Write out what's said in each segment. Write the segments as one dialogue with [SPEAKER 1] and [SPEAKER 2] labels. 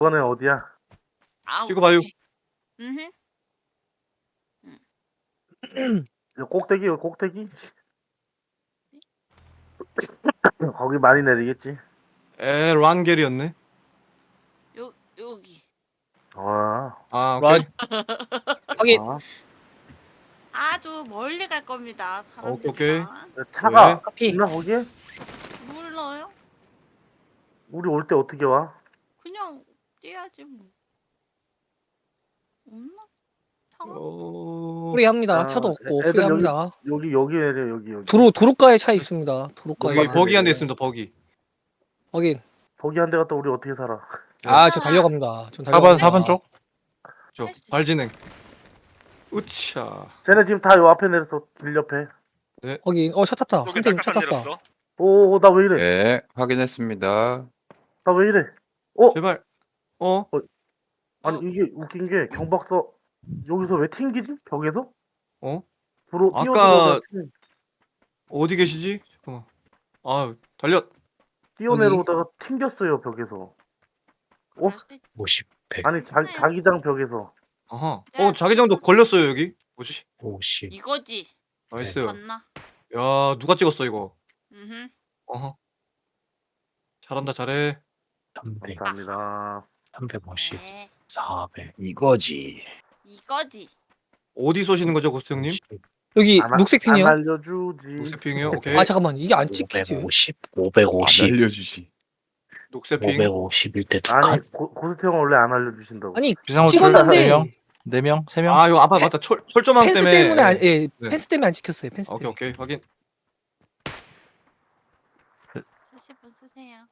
[SPEAKER 1] 이번엔 어디야?
[SPEAKER 2] 아,
[SPEAKER 3] 찍어봐요.
[SPEAKER 2] 오케이. 음.
[SPEAKER 1] 이거 꼭대기, 이거 꼭대기? 거기 많이 내리겠지.
[SPEAKER 3] 란겔이었네.
[SPEAKER 2] 여기.
[SPEAKER 1] 아,
[SPEAKER 3] 오케이.
[SPEAKER 4] 확인.
[SPEAKER 1] 아.
[SPEAKER 2] 아주 멀리 갈 겁니다.
[SPEAKER 3] 오케이.
[SPEAKER 2] 사람들이랑.
[SPEAKER 1] 차가
[SPEAKER 3] 왜?
[SPEAKER 4] 카피.
[SPEAKER 1] 있나 거기에?
[SPEAKER 2] 몰라요?
[SPEAKER 1] 우리 올 때 어떻게 와?
[SPEAKER 2] 그냥 뛰어야지 뭐. 없나? 차가?
[SPEAKER 4] 후회합니다.
[SPEAKER 1] 아,
[SPEAKER 4] 차도 없고
[SPEAKER 1] 애들
[SPEAKER 4] 후회합니다.
[SPEAKER 1] 여기 내려 여기.
[SPEAKER 4] 도로가에 차 있습니다. 도로가에.
[SPEAKER 3] 여기 버기 한 대 있습니다. 버기.
[SPEAKER 4] 확인.
[SPEAKER 1] 거기 한 대 갔다 우리 어떻게 살아?
[SPEAKER 4] 저 달려갑니다. 전
[SPEAKER 5] 4번
[SPEAKER 4] 달려갑니다.
[SPEAKER 5] 4번 쪽.
[SPEAKER 3] 저 발진행. 으차.
[SPEAKER 1] 쟤네 지금 다 요 앞에 내렸어. 길 옆에.
[SPEAKER 4] 확인. 차 탔다.
[SPEAKER 6] 쪽에
[SPEAKER 4] 한팀 차
[SPEAKER 6] 딱딱한
[SPEAKER 4] 탔어.
[SPEAKER 6] 내렸어.
[SPEAKER 1] 오, 나 왜 이래?
[SPEAKER 5] 네, 확인했습니다.
[SPEAKER 1] 나 왜 이래? 어?
[SPEAKER 3] 제발.
[SPEAKER 1] 아니 이게 웃긴 게 경박서 여기서 왜 튕기지? 벽에서?
[SPEAKER 3] 어?
[SPEAKER 1] 뛰어
[SPEAKER 3] 아까-
[SPEAKER 1] 들어오다가
[SPEAKER 3] 어디 계시지? 잠깐만. 달려.
[SPEAKER 1] 뛰어내려오다가 튕겼어요 벽에서.
[SPEAKER 2] 그럴 수도 있-
[SPEAKER 7] 50, 100,
[SPEAKER 1] 아니 자기장 벽에서.
[SPEAKER 3] 아하. 자기장도 걸렸어요 여기. 뭐지?
[SPEAKER 7] 50.
[SPEAKER 2] 이거지.
[SPEAKER 3] 나이스.
[SPEAKER 2] 맞나?
[SPEAKER 3] 야 누가 찍었어 이거?
[SPEAKER 2] 음.
[SPEAKER 3] 어허. 잘한다 잘해.
[SPEAKER 7] 300,
[SPEAKER 1] 감사합니다.
[SPEAKER 7] 350,
[SPEAKER 2] 네.
[SPEAKER 7] 400. 이거지.
[SPEAKER 2] 이거지.
[SPEAKER 3] 어디 쏘시는 거죠 고스 형님?
[SPEAKER 4] 여기
[SPEAKER 1] 안
[SPEAKER 4] 녹색 핀이요.
[SPEAKER 1] 알려주지.
[SPEAKER 3] 녹색 핑이요. 오케이.
[SPEAKER 4] 잠깐만. 이게 안 찍히지.
[SPEAKER 7] 550, 550,
[SPEAKER 5] 알려주지.
[SPEAKER 3] 녹색 핑.
[SPEAKER 7] 551 대 두
[SPEAKER 1] 아니
[SPEAKER 7] 칸.
[SPEAKER 1] 고스트 형은 원래 안 알려주신다고.
[SPEAKER 4] 아니
[SPEAKER 5] 비상호
[SPEAKER 4] 찍었는데
[SPEAKER 5] 4명, 4명, 3명.
[SPEAKER 3] 이거 맞다. 철조망
[SPEAKER 4] 펜스
[SPEAKER 3] 때문에.
[SPEAKER 4] 때문에
[SPEAKER 3] 네.
[SPEAKER 4] 펜스 때문에 안 찍혔어요. 펜스 때문에.
[SPEAKER 3] 오케이 확인.
[SPEAKER 2] 쓰실 분 쓰세요.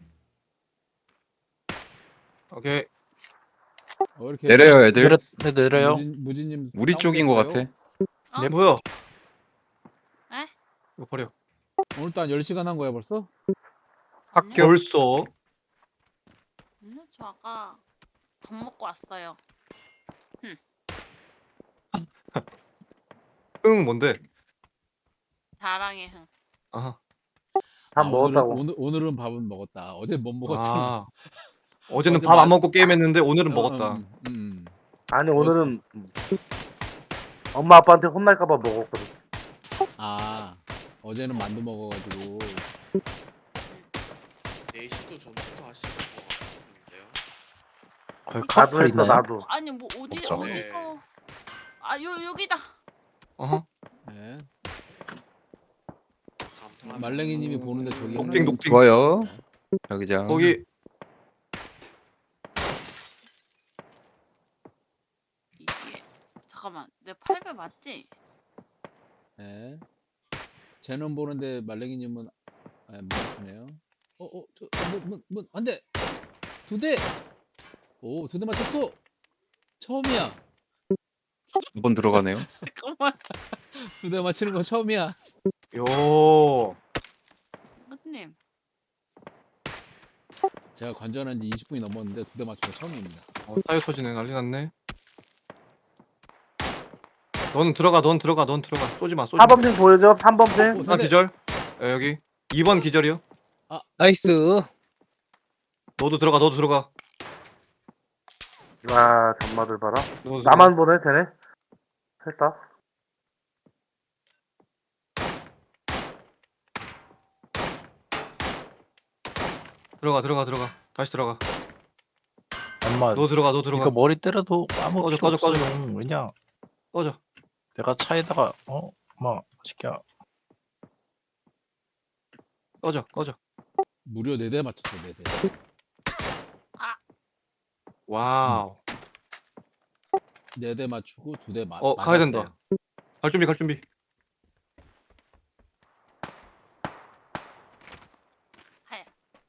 [SPEAKER 3] 오케이.
[SPEAKER 8] 이렇게
[SPEAKER 5] 내려요, 애들. 내려요.
[SPEAKER 8] 무진님
[SPEAKER 5] 우리 쪽인 것 같아.
[SPEAKER 2] 어?
[SPEAKER 3] 뭐야?
[SPEAKER 2] 에?
[SPEAKER 3] 이거 버려.
[SPEAKER 8] 오늘 또 한 10시간 한 거야 벌써?
[SPEAKER 3] 학교 벌써.
[SPEAKER 2] 저 아까 밥 먹고 왔어요.
[SPEAKER 3] 뭔데?
[SPEAKER 2] 자랑의 흥.
[SPEAKER 3] 아하.
[SPEAKER 1] 밥 먹었다고.
[SPEAKER 8] 오늘은 밥은 먹었다. 어제 못 먹었잖아.
[SPEAKER 3] 어제는
[SPEAKER 8] 어제
[SPEAKER 3] 밥 안
[SPEAKER 8] 마-
[SPEAKER 3] 먹고 게임했는데 오늘은 먹었다.
[SPEAKER 1] 아니 오늘은 엄마 아빠한테 혼날까봐 먹었거든.
[SPEAKER 8] 어제는 만두 먹어가지고
[SPEAKER 6] 4시도 전부터 하시는 것 같은데요.
[SPEAKER 5] 거의
[SPEAKER 1] 나도
[SPEAKER 5] 카풀
[SPEAKER 1] 했어
[SPEAKER 5] 있나요?
[SPEAKER 1] 나도.
[SPEAKER 2] 아니 뭐
[SPEAKER 5] 먹자.
[SPEAKER 2] 어디서? 여기다.
[SPEAKER 3] 어허.
[SPEAKER 8] 네.
[SPEAKER 6] 감탄합니다.
[SPEAKER 8] 말랭이님이 보는데 저기
[SPEAKER 3] 녹빙, 녹빙.
[SPEAKER 5] 좋아요. 자기장.
[SPEAKER 3] 거기
[SPEAKER 2] 이게 잠깐만 내 800 맞지?
[SPEAKER 8] 네. 쟤는 보는데 말랭이님은 맞네요. 안돼. 2대. 오, 2대 맞췄어. 처음이야.
[SPEAKER 5] 2번 들어가네요.
[SPEAKER 2] 잠깐만.
[SPEAKER 8] 2대 맞히는 건 처음이야.
[SPEAKER 3] 요.
[SPEAKER 2] 선님.
[SPEAKER 8] 제가 관전한 지 20분이 넘었는데 2대 맞춘 건 처음입니다.
[SPEAKER 3] 타이어 터지네. 난리 났네. 넌 들어가. 쏘지 마.
[SPEAKER 1] 4번 핑 보여줘. 3번 핑.
[SPEAKER 3] 하나 기절. 여기 2번 기절이요.
[SPEAKER 4] 나이스.
[SPEAKER 3] 너도 들어가.
[SPEAKER 1] 와 전마들 봐라.
[SPEAKER 3] 너도 들어가.
[SPEAKER 1] 나만 보네 쟤네. 했다.
[SPEAKER 3] 들어가. 다시 들어가.
[SPEAKER 5] 엄마,
[SPEAKER 3] 너 들어가.
[SPEAKER 5] 이거 머리 때려도 아무
[SPEAKER 3] 꺼져,
[SPEAKER 5] 필요
[SPEAKER 3] 꺼져.
[SPEAKER 5] 없어요. 왜냐?
[SPEAKER 3] 꺼져.
[SPEAKER 5] 내가 차에다가 시켜.
[SPEAKER 3] 꺼져.
[SPEAKER 8] 무려 4대 맞췄어. 4대.
[SPEAKER 3] 와우.
[SPEAKER 8] 4대 맞추고 2대 맞.
[SPEAKER 3] 가야 된다. 갈 준비.
[SPEAKER 2] 하야.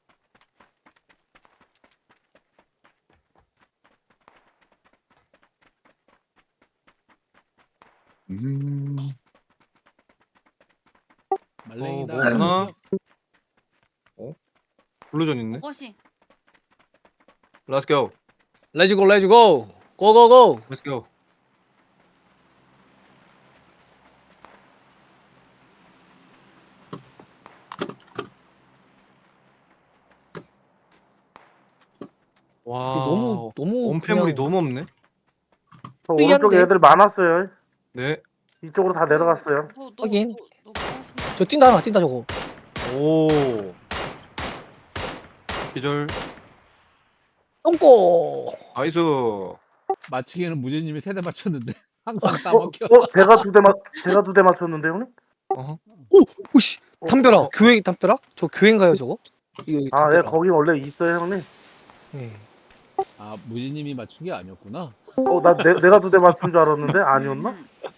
[SPEAKER 8] 말랭이다.
[SPEAKER 3] 뭐 없나? 블루존 있네.
[SPEAKER 2] 그것이
[SPEAKER 3] Let's go.
[SPEAKER 4] 레츠고. 고고고.
[SPEAKER 3] Let's go. 와.
[SPEAKER 4] 너무 너무
[SPEAKER 3] 원패물이
[SPEAKER 4] 그냥
[SPEAKER 3] 너무 없네.
[SPEAKER 1] 저
[SPEAKER 4] 특이한데?
[SPEAKER 1] 오른쪽에 애들 많았어요.
[SPEAKER 3] 네.
[SPEAKER 1] 이쪽으로 다 내려갔어요.
[SPEAKER 4] 하긴.
[SPEAKER 2] 너 무엇인가?
[SPEAKER 4] 저 뛴다 저거.
[SPEAKER 3] 오. 기절.
[SPEAKER 4] 똥꼬.
[SPEAKER 3] 나이스.
[SPEAKER 8] 맞추기에는 무진님이 3대 맞췄는데 항상
[SPEAKER 1] 어?
[SPEAKER 8] 따먹혀.
[SPEAKER 1] 제가 두 대 맞췄는데 형님?
[SPEAKER 3] 어허.
[SPEAKER 4] 오씨. 담벼락. 교회 담벼락? 저 교회인가요 저거? 이거
[SPEAKER 1] 아, 네,
[SPEAKER 4] 담벼락.
[SPEAKER 1] 거기 원래 있어요 형님.
[SPEAKER 4] 예.
[SPEAKER 8] 아 무진님이 맞춘 게 아니었구나.
[SPEAKER 1] 내가 두 대 맞춘 줄 알았는데 아니었나?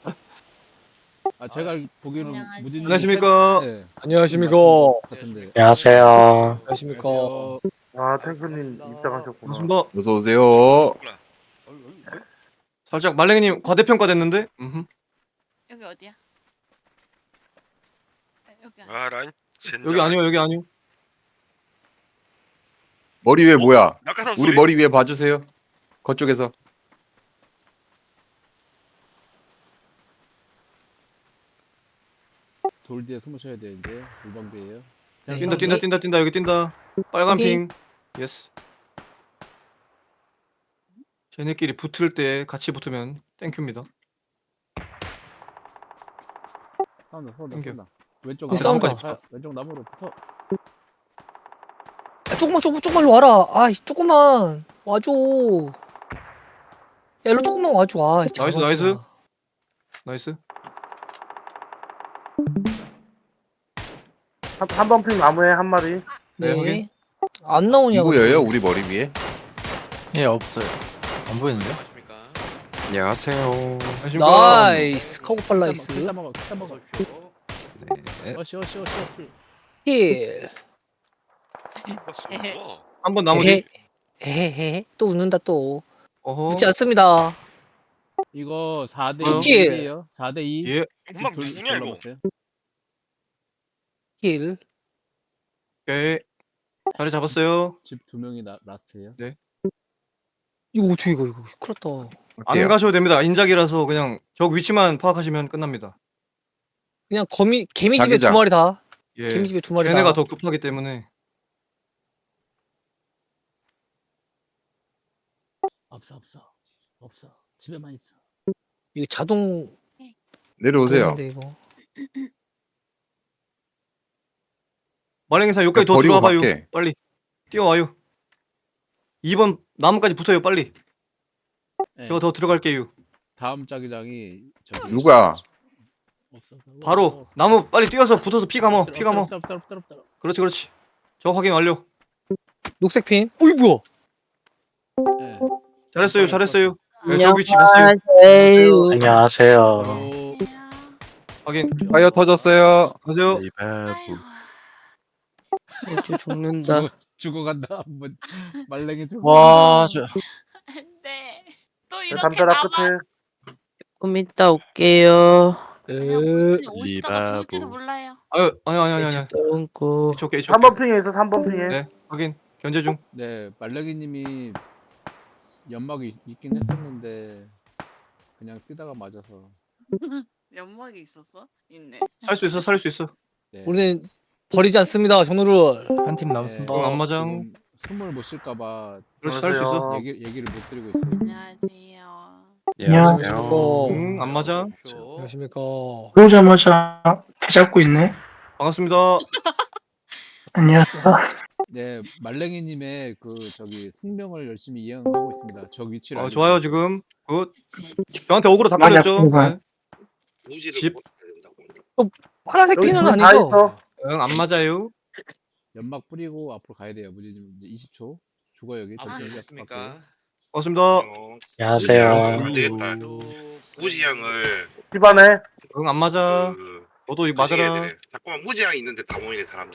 [SPEAKER 8] 아 제가 보기에는
[SPEAKER 2] 안녕하세요.
[SPEAKER 8] 무진님
[SPEAKER 3] 안녕하십니까?
[SPEAKER 8] 네,
[SPEAKER 4] 안녕하십니까.
[SPEAKER 8] 같은데.
[SPEAKER 7] 안녕하세요.
[SPEAKER 4] 안녕하십니까.
[SPEAKER 1] 아, 탱크님 입장하셨구나.
[SPEAKER 3] 반갑습니다.
[SPEAKER 9] 어서 오세요.
[SPEAKER 3] 살짝 말랭이님 과대평가 됐는데?
[SPEAKER 2] 여기 어디야? 여기 아니야.
[SPEAKER 6] 아 라인 젠장.
[SPEAKER 3] 여기 아니요.
[SPEAKER 9] 머리 위에 뭐야?
[SPEAKER 6] 낙하산
[SPEAKER 9] 우리
[SPEAKER 6] 소리?
[SPEAKER 9] 머리 위에 봐주세요. 거쪽에서.
[SPEAKER 8] 돌 뒤에 숨으셔야 돼 이제 물방비예요. 자,
[SPEAKER 3] 뛴다. 여기 뛴다. 빨간
[SPEAKER 4] 오케이.
[SPEAKER 3] 핑. 예스. 쟤네끼리 붙을 때 같이 붙으면 땡큐입니다.
[SPEAKER 8] 싸운다. 왼쪽
[SPEAKER 4] 이 싸운다.
[SPEAKER 8] 왼쪽 나무로 붙어.
[SPEAKER 4] 아, 조금만 와라. 아, 조금만 와줘. 야, 일로 조금만 와줘. 아, 잘
[SPEAKER 3] 나이스.
[SPEAKER 4] 와줘.
[SPEAKER 3] 나이스.
[SPEAKER 1] 3번 핑 나무에 한 마리.
[SPEAKER 3] 네,
[SPEAKER 4] 네.
[SPEAKER 3] 확인.
[SPEAKER 4] 안 나오냐고.
[SPEAKER 9] 누구예요? 우리 머리 위에?
[SPEAKER 5] 예 없어요. 안 보이는데?
[SPEAKER 6] 안녕하십니까?
[SPEAKER 9] 안녕하세요.
[SPEAKER 3] 안녕하십니까?
[SPEAKER 4] 나이스. 카고팔 나이스.
[SPEAKER 8] 킬따 먹어.
[SPEAKER 9] 네.
[SPEAKER 8] 어시.
[SPEAKER 4] 힐.
[SPEAKER 3] 한번 나머지.
[SPEAKER 4] 에헤헤. 또 웃는다 또.
[SPEAKER 3] 어허.
[SPEAKER 4] 웃지 않습니다.
[SPEAKER 8] 이거 4대
[SPEAKER 4] 치킨.
[SPEAKER 8] 2예요. 4대 2.
[SPEAKER 3] 예.
[SPEAKER 6] 엄마 누구냐 이거?
[SPEAKER 4] 힐.
[SPEAKER 3] 오케이. 자리 잡았어요.
[SPEAKER 8] 집 2명이 라스트예요.
[SPEAKER 4] 이거 어떻게 이거 큰일 났다.
[SPEAKER 3] 안 가셔도 됩니다. 인작이라서 그냥 저 위치만 파악하시면 끝납니다.
[SPEAKER 4] 그냥 개미 집에
[SPEAKER 9] 자기장.
[SPEAKER 4] 2마리 다.
[SPEAKER 3] 예.
[SPEAKER 4] 개미 집에 2마리 다.
[SPEAKER 3] 걔네가 더 급하기 때문에.
[SPEAKER 8] 없어. 집에만 있어.
[SPEAKER 4] 이거 자동
[SPEAKER 9] 내려오세요.
[SPEAKER 4] 그건데, 이거.
[SPEAKER 3] 말랭이사 여기까지 더
[SPEAKER 9] 버리고
[SPEAKER 3] 들어와봐요.
[SPEAKER 9] 갈게.
[SPEAKER 3] 빨리 뛰어와요. 2번 나무까지 붙어요. 빨리.
[SPEAKER 8] 네.
[SPEAKER 3] 제가 더 들어갈게요.
[SPEAKER 8] 다음 자기장이 저기
[SPEAKER 9] 누가?
[SPEAKER 8] 없어.
[SPEAKER 3] 바로 나무 빨리 뛰어서 붙어서 피 감어.
[SPEAKER 8] 엎드려.
[SPEAKER 3] 그렇지. 저 확인 완료.
[SPEAKER 4] 녹색 핀. 어이 뭐야?
[SPEAKER 8] 네.
[SPEAKER 3] 잘했어요. 네, 저 위치 봤어요.
[SPEAKER 7] 안녕하세요.
[SPEAKER 3] 확인.
[SPEAKER 9] 파이어 터졌어요.
[SPEAKER 3] 하세요.
[SPEAKER 4] 저 죽는다.
[SPEAKER 8] 죽어간다. 한번 말랭이 죽어.
[SPEAKER 5] 와, 저
[SPEAKER 2] 안돼. 또
[SPEAKER 1] 네,
[SPEAKER 2] 이렇게
[SPEAKER 1] 담벼락
[SPEAKER 2] 나와.
[SPEAKER 1] 끝에.
[SPEAKER 10] 좀 이따 올게요.
[SPEAKER 2] 아니야, 무슨 오시다가 죽을지도 몰라요.
[SPEAKER 3] 아니.
[SPEAKER 10] 똥꼬.
[SPEAKER 3] 이쪽
[SPEAKER 1] 3번 핑에 있어. 3번 핑에.
[SPEAKER 3] 네, 확인. 견제 중.
[SPEAKER 8] 네, 말랭이님이 연막이 있긴 했었는데 그냥 뛰다가 맞아서.
[SPEAKER 2] 연막이 있었어? 있네.
[SPEAKER 3] 살 수 있어.
[SPEAKER 8] 네.
[SPEAKER 4] 우리는 버리지 않습니다. 전우를.
[SPEAKER 5] 한 팀 남았습니다.
[SPEAKER 3] 안 맞아.
[SPEAKER 8] 숨을 못 쉴까봐
[SPEAKER 3] 그렇지, 살 수 있어.
[SPEAKER 8] 얘기를 못 드리고 있어요.
[SPEAKER 2] 안녕하세요.
[SPEAKER 4] 안녕하십니까.
[SPEAKER 3] 안 맞아.
[SPEAKER 4] 안녕하십니까.
[SPEAKER 10] 오자마자 배 잡고 있네.
[SPEAKER 3] 반갑습니다.
[SPEAKER 10] 안녕하세요.
[SPEAKER 8] 네, 말랭이님의 그 저기 숙명을 열심히 이행하고 있습니다. 저 위치를. 알고
[SPEAKER 3] 좋아요
[SPEAKER 8] 있어요.
[SPEAKER 3] 지금. 굿. 저한테 어그로 다
[SPEAKER 10] 맞아,
[SPEAKER 3] 걸렸죠.
[SPEAKER 10] 그거.
[SPEAKER 3] 네. 집.
[SPEAKER 4] 파란색
[SPEAKER 1] 여기
[SPEAKER 4] 핀은
[SPEAKER 1] 불다
[SPEAKER 4] 아니죠?
[SPEAKER 1] 있어.
[SPEAKER 3] 응, 안 맞아요.
[SPEAKER 8] 연막 뿌리고 앞으로 가야 돼요. 무진님 이제 20초. 죽어 여기.
[SPEAKER 6] 아
[SPEAKER 8] 저기
[SPEAKER 6] 됐습니까?
[SPEAKER 3] 반갑습니다.
[SPEAKER 7] 안녕하세요.
[SPEAKER 6] 안 되겠다. 무지양을
[SPEAKER 1] 집안에.
[SPEAKER 3] 응, 안 맞아. 너도 이거 맞아라.
[SPEAKER 6] 자꾸만 무지양 있는데 다 모이네 사람들이.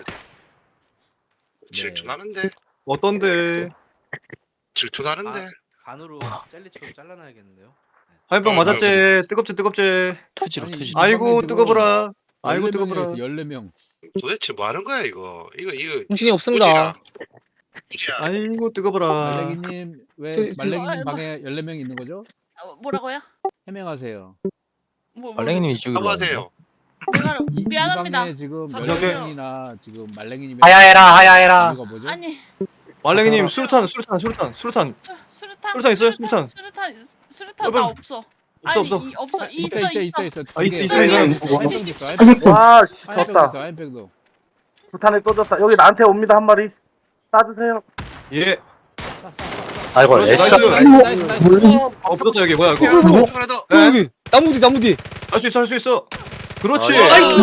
[SPEAKER 6] 질투나는데.
[SPEAKER 3] 어떤데?
[SPEAKER 6] 질투나는데.
[SPEAKER 11] 간으로 젤리처럼 잘라놔야겠는데요.
[SPEAKER 3] 화염병 맞았지. 뜨겁지.
[SPEAKER 5] 투지로
[SPEAKER 8] 아니,
[SPEAKER 5] 투지.
[SPEAKER 3] 아이고
[SPEAKER 8] 지금
[SPEAKER 3] 뜨거워라. 아이고
[SPEAKER 8] 14명이나
[SPEAKER 3] 뜨거워라.
[SPEAKER 8] 있어, 14명.
[SPEAKER 6] 도대체 뭐 하는 거야 이거? 이거
[SPEAKER 4] 정신이 없습니다.
[SPEAKER 6] 무지양.
[SPEAKER 3] 아이고 뜨거워라.
[SPEAKER 8] 말랭이님 왜
[SPEAKER 4] 저-
[SPEAKER 8] 말랭이님 방에 14명 있는 거죠?
[SPEAKER 2] 뭐라고요?
[SPEAKER 8] 해명하세요.
[SPEAKER 5] 말랭이님 이쪽으로
[SPEAKER 6] 사과하세요.
[SPEAKER 2] 제가
[SPEAKER 8] 이
[SPEAKER 2] 미안합니다.
[SPEAKER 8] 방에 지금
[SPEAKER 2] 저기-
[SPEAKER 8] 14명이나 지금 말랭이님의
[SPEAKER 10] 하야해라.
[SPEAKER 8] 이유가 뭐죠?
[SPEAKER 2] 아니
[SPEAKER 3] 말랭이님
[SPEAKER 8] 저
[SPEAKER 3] 수류탄.
[SPEAKER 2] 술
[SPEAKER 3] 수류탄 있어요? 수류탄.
[SPEAKER 2] 수류탄 나 없어. 아니,
[SPEAKER 3] 없어.
[SPEAKER 2] 없어.
[SPEAKER 8] 있어
[SPEAKER 2] 있어.
[SPEAKER 8] 있어.
[SPEAKER 3] 아, 있어, 있어,
[SPEAKER 8] 아이백도 있어.
[SPEAKER 1] 와, 씨,
[SPEAKER 8] 아이백도
[SPEAKER 1] 졌다.
[SPEAKER 8] 있어. 아이백도.
[SPEAKER 1] 부탄에 떠졌다. 여기 나한테 옵니다, 한 마리. 쏴주세요.
[SPEAKER 3] 예.
[SPEAKER 7] 아이고
[SPEAKER 3] 그렇지,
[SPEAKER 7] 애써.
[SPEAKER 3] 나이스. 붙었다 여기 뭐야 이거.
[SPEAKER 6] 하나 더.
[SPEAKER 3] 예.
[SPEAKER 4] 여기 나무 뒤.
[SPEAKER 3] 할 수 있어, 할 수 있어. 그렇지.
[SPEAKER 6] 아,
[SPEAKER 4] 나이스.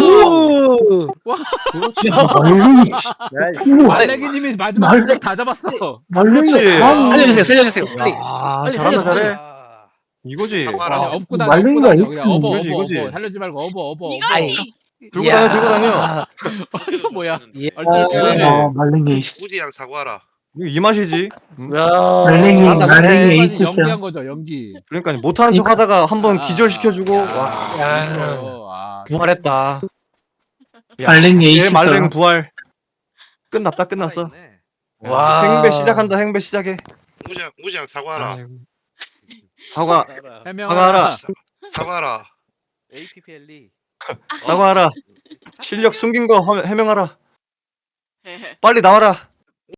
[SPEAKER 3] 그렇지.
[SPEAKER 10] 말랭이.
[SPEAKER 1] 야, 이
[SPEAKER 8] 말랭이님이 마지막에 다 잡았어.
[SPEAKER 10] 말랭이.
[SPEAKER 3] 그렇지.
[SPEAKER 4] 살려주세요. 빨리.
[SPEAKER 3] 아,
[SPEAKER 4] 빨리
[SPEAKER 3] 잘한다,
[SPEAKER 4] 살려줘,
[SPEAKER 3] 잘해.
[SPEAKER 6] 아,
[SPEAKER 3] 이거지.
[SPEAKER 6] 사과라.
[SPEAKER 8] 아니,
[SPEAKER 6] 아,
[SPEAKER 8] 업고 다녀.
[SPEAKER 10] 말랭이가
[SPEAKER 8] 업고 다녀.
[SPEAKER 10] 있어.
[SPEAKER 8] 그냥
[SPEAKER 3] 이거지, 이거지.
[SPEAKER 8] 살려지 말고 업어.
[SPEAKER 2] 이거지.
[SPEAKER 3] 들고 다녀, 들고 다녀.
[SPEAKER 8] 이거 뭐야?
[SPEAKER 3] 그거지.
[SPEAKER 10] 말랭이.
[SPEAKER 6] 무지양 사과라.
[SPEAKER 3] 이거 이 맛이지.
[SPEAKER 4] 야.
[SPEAKER 10] 말랭이.
[SPEAKER 3] 잘한다, 잘해.
[SPEAKER 10] 말랭이
[SPEAKER 8] 연기한
[SPEAKER 10] 있었어.
[SPEAKER 8] 거죠, 연기.
[SPEAKER 3] 그러니까 못하는 척 하다가 한번
[SPEAKER 8] 아,
[SPEAKER 3] 기절시켜주고
[SPEAKER 8] 야.
[SPEAKER 3] 와,
[SPEAKER 8] 아,
[SPEAKER 3] 부활했다. 야,
[SPEAKER 10] 말랭이
[SPEAKER 3] 얘
[SPEAKER 10] 있었어.
[SPEAKER 3] 말랭 부활. 끝났다, 끝났어.
[SPEAKER 11] 살아있네.
[SPEAKER 4] 와.
[SPEAKER 3] 행배 시작한다, 행배 시작해.
[SPEAKER 6] 무지양 사과라.
[SPEAKER 3] 아이고. 사과,
[SPEAKER 8] 해명하라.
[SPEAKER 3] 사과하라.
[SPEAKER 6] 사과라.
[SPEAKER 11] APPLE.
[SPEAKER 3] 사과하라. 실력 숨긴 거 해명하라. 빨리 나와라.